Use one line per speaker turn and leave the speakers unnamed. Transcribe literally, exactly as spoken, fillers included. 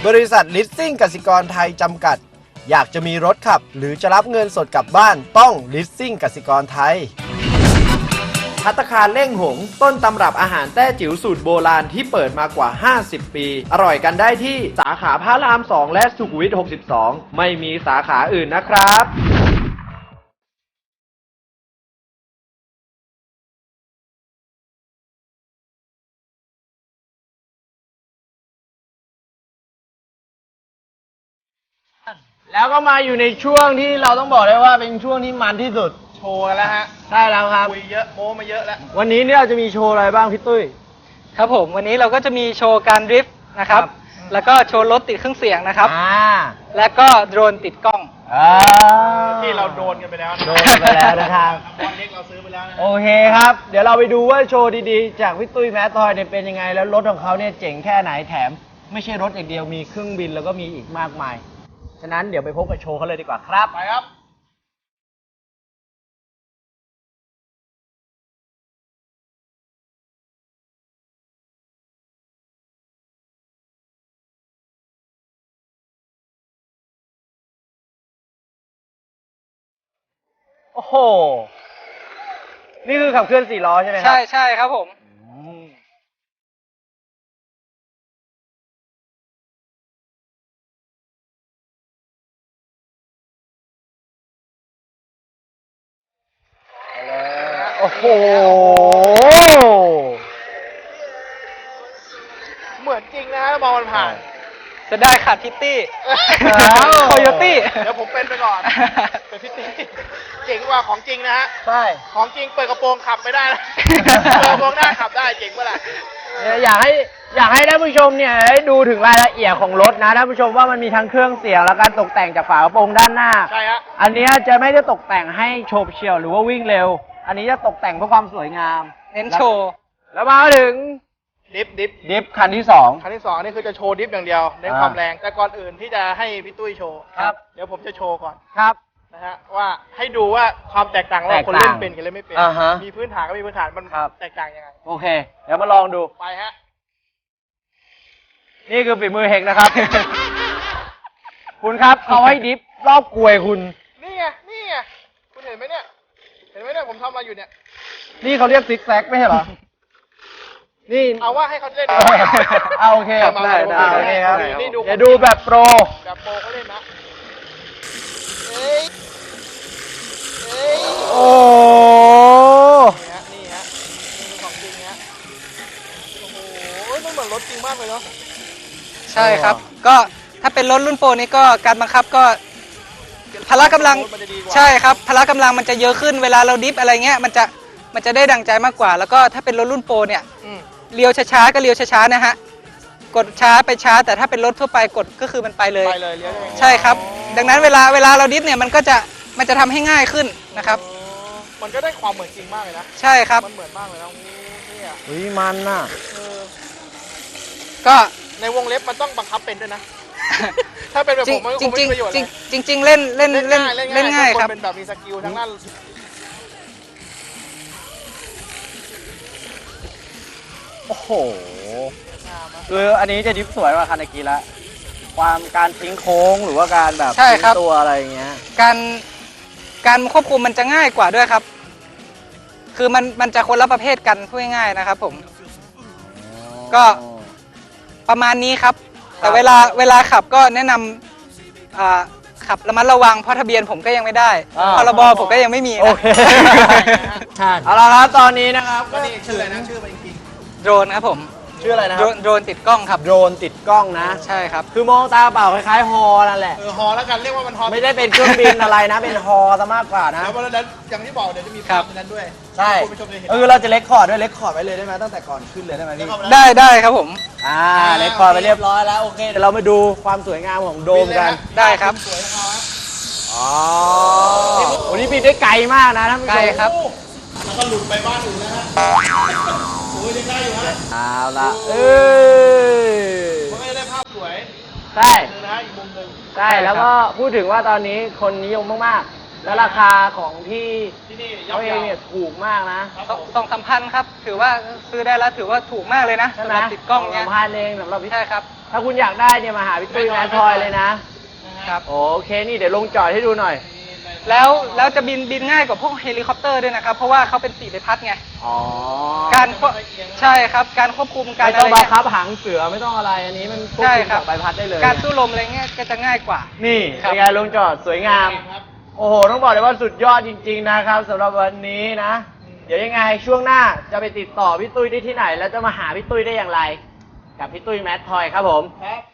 บริษัทลิสซิ่งกสิกรไทยจำกัดอยากจะมีรถขับหรือจะรับเงินสดกลับบ้านต้องลิสซิ่งกสิกรไทยภัตตาคารเล่งหงต้นตำรับอาหารแต้จิ๋วสูตรโบราณที่เปิดมากว่าห้าสิบปีอร่อยกันได้ที่สาขาพระรามสองและสุขุมวิทหกสิบสองไม่มีสาขาอื่นนะครับแล้วก็มาอยู่ในช่วงที่เราต้องบอกได้ว่าเป็นช่วงที่มันที่สุด
โชว์กันแล้วฮะ
ใช่แล้วครับ
คุยเยอะโม้มาเยอะแล้ว
วันนี้เนี่ยเราจะมีโชว์อะไรบ้างพี่ตุ้ย
ครับผมวันนี้เราก็จะมีโชว์การดริฟต์นะครับแล้วก็โชว์รถติดเครื่องเสียงนะครับแล้วก็โดรนติดกล้อง
ที่เราโดนกันไปแล้ว
โดนไปแล้วนะครับ
บอลเล็กเราซื้อไปแล้วนะ
โอเคครับเดี๋ยวเราไปดูว่าโชว์ดีๆจากพี่ตุ้ยแมททอยเนี่ยเป็นยังไงแล้วรถของเขาเนี่ยเจ๋งแค่ไหนแถมไม่ใช่รถอย่างเดียวมีเครื่องบินแล้วก็มีอีกมากมายฉะนั้นเดี๋ยวไปพบกับโชว์เขาเลยดีกว่าครับ
ไปครับ
โอ้โหนี่คือขับเคลื่อนสี่ล้อใช่ไหมครับ
ใช่ใช่ครับผม
โอ้โห
เหมือนจริงนะมองมันผ่าน
จะได้ขาดพิตตี้โคโยตี้
เดี๋ยวผมเป็นไปก่อนเป็นพิตตี้เจ๋งกว่าของจริงนะฮะ
ใช่
ของจริงเปิดกระโปรงขับไม่ได้นะเปิดกระโปรงหน้าขับได้เจ๋งเมื่อไหร่
อยากให้อยากให้ท่านผู้ชมเนี่ยได้ดูถึงรายละเอียดของรถนะท่านผู้ชมว่ามันมีทั้งเครื่องเสียงและการตกแต่งจากฝากระโปรงด้านหน้า
ใช่ฮะ
อันนี้จะไม่ได้ตกแต่งให้โฉบเฉี่ยวหรือว่าวิ่งเร็วอันนี้จะตกแต่งเพื่อความสวยงาม
เน้นโชว์
แล้วมาถึง
ดิฟดิฟ
ดิฟคันที่สอง
คันที่สองนี่คือจะโชว์ดิฟอย่างเดียวเน้นความแรงแต่ก่อนอื่นที่จะให้พี่ตุ้ยโชว์
ครับ
เดี๋ยวผมจะโชว์ก่อน
ครับ
นะฮะว่าให้ดูว่าความแตกต่างระหว่างคนเล่นเป็นกับเล่นไม่เป็นมีพื้นฐานก็มีพื้นฐานมันแตกต่างยังไง
โอเคเดี๋ยวมาลองดู
ไปฮะ
นี่คือฝีมือเฮกนะครับ คุณครับเขาให้ดิฟรอบกลวยคุณ
นี่ไงนี่ไงคุณเห็นไหมเนี่ยเห็นไหมเนี่ยผมทำอะไรอยู่เนี่ย
นี่เขาเรียกซิกแซกไม่ใช่เหรอนี่
เอาว่าให้เขาเล่น
เอาโอเคได้ได้โอเคครับ
นี่ดู
เดี๋ยวดูแบบโปร
แบบโปรเขาเล่นนะเอ้ยเอ้ย
โอ้
นี่ฮะนี่ฮะนี่คือของจริงฮะโอ้โหมันเหมือนรถจริงมากเลยเนาะ
ใช่ครับก็ถ้าเป็นรถรุ่นโปรนี้ก็การบังคับก็พละกำลังใช่ครับพละกำลังมันจะเยอะขึ้นเวลาเราดิฟอะไรเงี้ยมันจะมันจะได้ดังใจมากกว่าแล้วก็ถ้าเป็นรถรุ่นโปรเนี่ยเลี้ยวช้าๆก็เลี้ยวช้าๆนะฮะกดช้าไปช้าแต่ถ้าเป็นรถทั่วไปกดก็คือมันไปเลย
ไปเลยเลี้ยว
ใช่ครับดังนั้นเวลาเวลาเราดิฟเนี่ยมันก็จะมันจะทำให้ง่ายขึ้นนะครับ
มันก็ได้ความเหมือนจริงมากเลยนะ
ใช่ครับ
มันเหมือนมากเลยนะนี่อ่ะ
อุ้ยมันน่ะ
ก็
ในวงเล็บมันต้องบังคับเป็นด้วยนะถ้าเป็นแบบผมมันคงไม่มีประโยชน์เลย
จริงจริงเล่นเล่นเล่นเล่นง่ายครับ
เป็นแบบมีสกิลทั้งนั้น
โอ้โหคืออันนี้จะดิฟสวยกว่าคันตะกี้ละความการทิ้งโค้งหรือว่าการแบบทิ้งตัวอะไรอย่างเงี้ย
การการควบคุมมันจะง่ายกว่าด้วยครับคือมันมันจะคนละประเภทกันพูดง่ายๆนะครับผมก็ประมาณนี้ครับแต่เวลาเวลาขับก็แนะนำขับระมัดระวังเพราะทะเบียนผมก็ยังไม่ได้พรบผมก็ยังไม่มี
โอเคเอาละครับตอนนี้นะครับ
ก็นี่ชื่ออะไรนะชื่อมันจริง
โดรนครับผม
ชื่ออะไรนะครับ
โดรนติดกล้องครับ
โดรนติดกล้องนะ
ใช่ครับ
คือมองตาเปล่าคล้ายๆฮอนั่นแหละ
เออฮอแล้วกันเรียกว่ามันฮอ
ไม่ได้เป็นเครื่องบินอะไรนะเป็นฮอซะมากกว่านะ
แล้ววันนั้นอย่างที่บอกเดี๋ยวจะมีภาพนั้นด้วย
ใช่เออเราจะเล็กคอร์ดด้วยเล็กคอร์ดไว้เลยได้ไหมตั้งแต่ก่อนขึ้นเลยได้ไหมพี่
ได้ได้ครับผม
อ่าเล็กคอร์ดไปเรียบร้อยแล้วโอเคเดี๋ยวเรามาดูความสวยงามของโดมกัน
ได้ครับ
สวยครับ
อ๋อวันนี้บินได้ไกลมากนะท่านผู้ชม
ไกลครับ
แล้วก็หลุดไปบ้านอื่นแล้วฮะโอ้ยยังได้อยู่ฮะ
เอาละเอ
อมันก็จะได้ภาพสวย
ใช่
นะอีกมุมหนึ่ง
ใช่แล้วก็พูดถึงว่าตอนนี้คนนิยมมาก
แล้วราคาของที่เขาเองเนี่ยถูกมากนะ
สองสองสามพันครับ ถือว่าซื้อได้แล้วถือว่าถูกมากเลยนะ
ใช่
สำ
ไห
ห
ม
รับติดกล้องเนี้ย
สองพันเองสำหรับพี่
ใช่ครับ
ถ้าคุณอยากได้เนี่ยมาหาพี่ตุ้ยแมนทอยเลยนะครับ โอเคนี่เดี๋ยวลงจอดให้ดูหน่อย
แล้วแล้วจะบินบินง่ายกว่าพวกเฮลิคอปเตอร์ด้วยนะครับ เพราะว่าเขาเป็นสี่ใบพัดไง
อ๋อ
การควบใช่ครับ การควบคุมการ
ไม่
อะ
ต้อง
ไร
บัง
เงี้ย
คับหางเสือไม่ต้องอะไรอันนี้มันควบ
ใช่
คุม
ครับ
จากใบพัดได้เลย
การสู้ลมอะไรเงี้ยก็จะง่ายกว่า
นี่
ครับ
เป็นไงลงจอดสวยงาม โอ้โห ต้องบอกเลยว่าสุดยอดจริง ๆ นะครับสำหรับวันนี้นะ เดี๋ยวยังไงช่วงหน้าจะไปติดต่อพี่ตุ้ยได้ที่ไหน แล้วจะมาหาพี่ตุ้ยได้อย่างไร กับพี่ตุ้ยแมททอยครับผม
ครับ